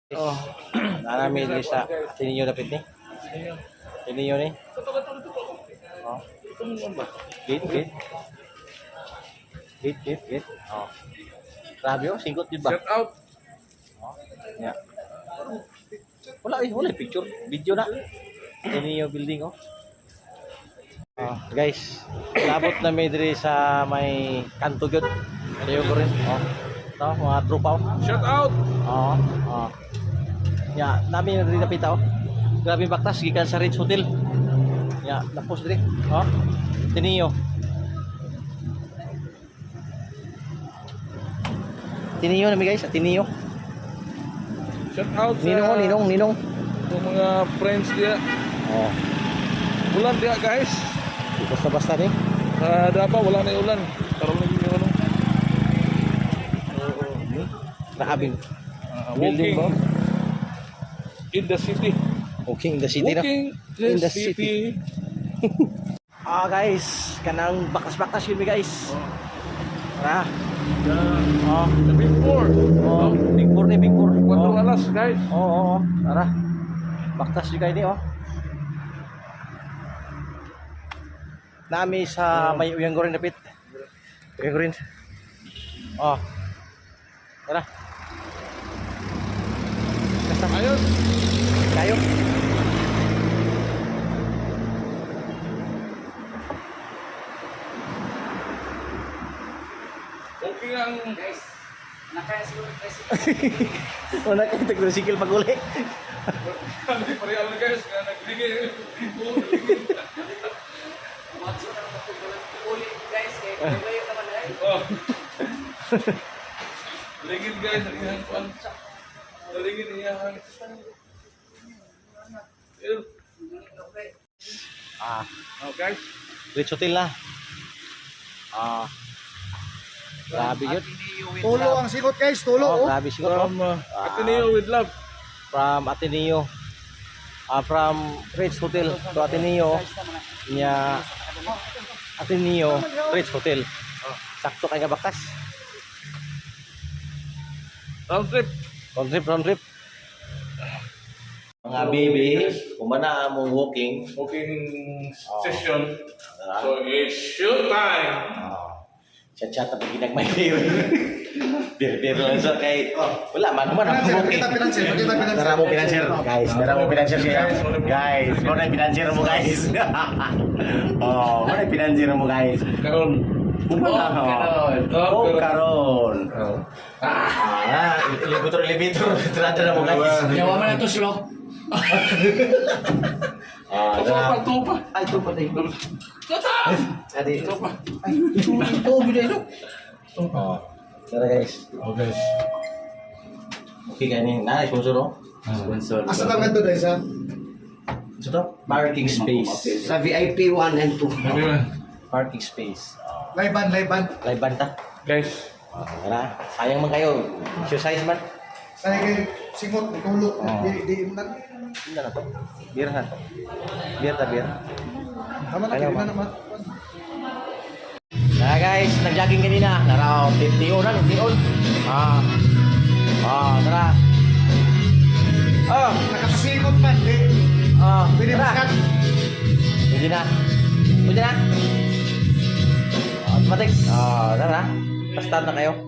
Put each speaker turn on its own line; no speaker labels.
Oh, namin di sa Ateneo dapat ni. Ateneo ni. Oh. Gate. Oh. Grabe oh, singkot di ba?
Shout out.
Oh. Ya. Wala picture, video na. Ateneo building oh. Oh, guys, labot na may diri sa may kanto gyud. Ayo ko rin. Oh. Ito, mga tropa oh.
Shout out.
Oh. Ya, namin na rin napita oh. Grabe baktas gikan sa Ritz Hotel. Ya, napos diri. Oh. Ateneo. Ateneo na mi guys, Ateneo.
Shout out sa
Ninong.
yung mga friends dia.
Oh,
Ulan dia guys.
basta-basta ni.
Ada apa wala na ulan. Karon lagi yung ano.
Grabe.
Walking
ba?
in the city.
Walking in the city na.
Walking
In the
city.
Guys, kanang bakas-bakas yun mi guys. Tara.
The Big Four.
Big Four ni, Big Four.
Cuatro alas guys.
Tara. Baktas juga ini oh. Nami sa may uyang gorin dapit. Uyang gorin. Oh. Tara.
Ayun.
Kayo.
Walking ang
Guys, nakasiguro guys.
Una kayo tricycle pag uli.
Hindi pareho na guys, nga nagligay.
Matso na magpupulan ulit guys, kaya kayo naman ay.
Oh. Ligid guys, iyan pan. Ligid iyan. Oh guys.
Ritz Hotel na. Grabe yun.
Tulo ang sikot guys, tulo.
Grabe siguro.
From Ateneo with love.
From Ateneo. From Ritz Hotel to Ateneo. Nya Ateneo, Ritz Hotel. Sakto kay nga bakas.
Round trip.
Round trip. Mga baby, kumana among walking.
Walking session. So it's show time.
Chat-chat tapi ginag may beer. Beer lang sa kay wala man ang walking.
Kita pinanser.
Tara mo pinanser, guys. Tara mo pinanser siya. Guys, mo na pinanser mo guys. Mo na pinanser mo guys.
Karon.
Karon. Elevator. Tara mo guys.
Yawa man na to slok.
Tupa.
Ay, tupa tayo. Adi.
Tupa.
Ito, biday no. Tara guys.
guys.
Okay, kanin. Sponsor no? Sponsor.
Asa lang ito guys ha?
Ito to? Parking space.
Sa VIP 1 and 2.
Parking space.
Laiban.
Live banta.
Guys.
Tara. Sayang man kayo. Exercise man.
Saya kay singot, tulo. Di mo na.
Hindi na to. Beer na to. Beer.
Tama na,
Ayaw
kaya
ba?
na naman.
Guys, nag-jogging kanina. Naraw, 50 na, 50 tara.
Nakasingot man, di. Pwede
Tara.
makat.
Pwede na. Automatic. Tara. Basta na kayo.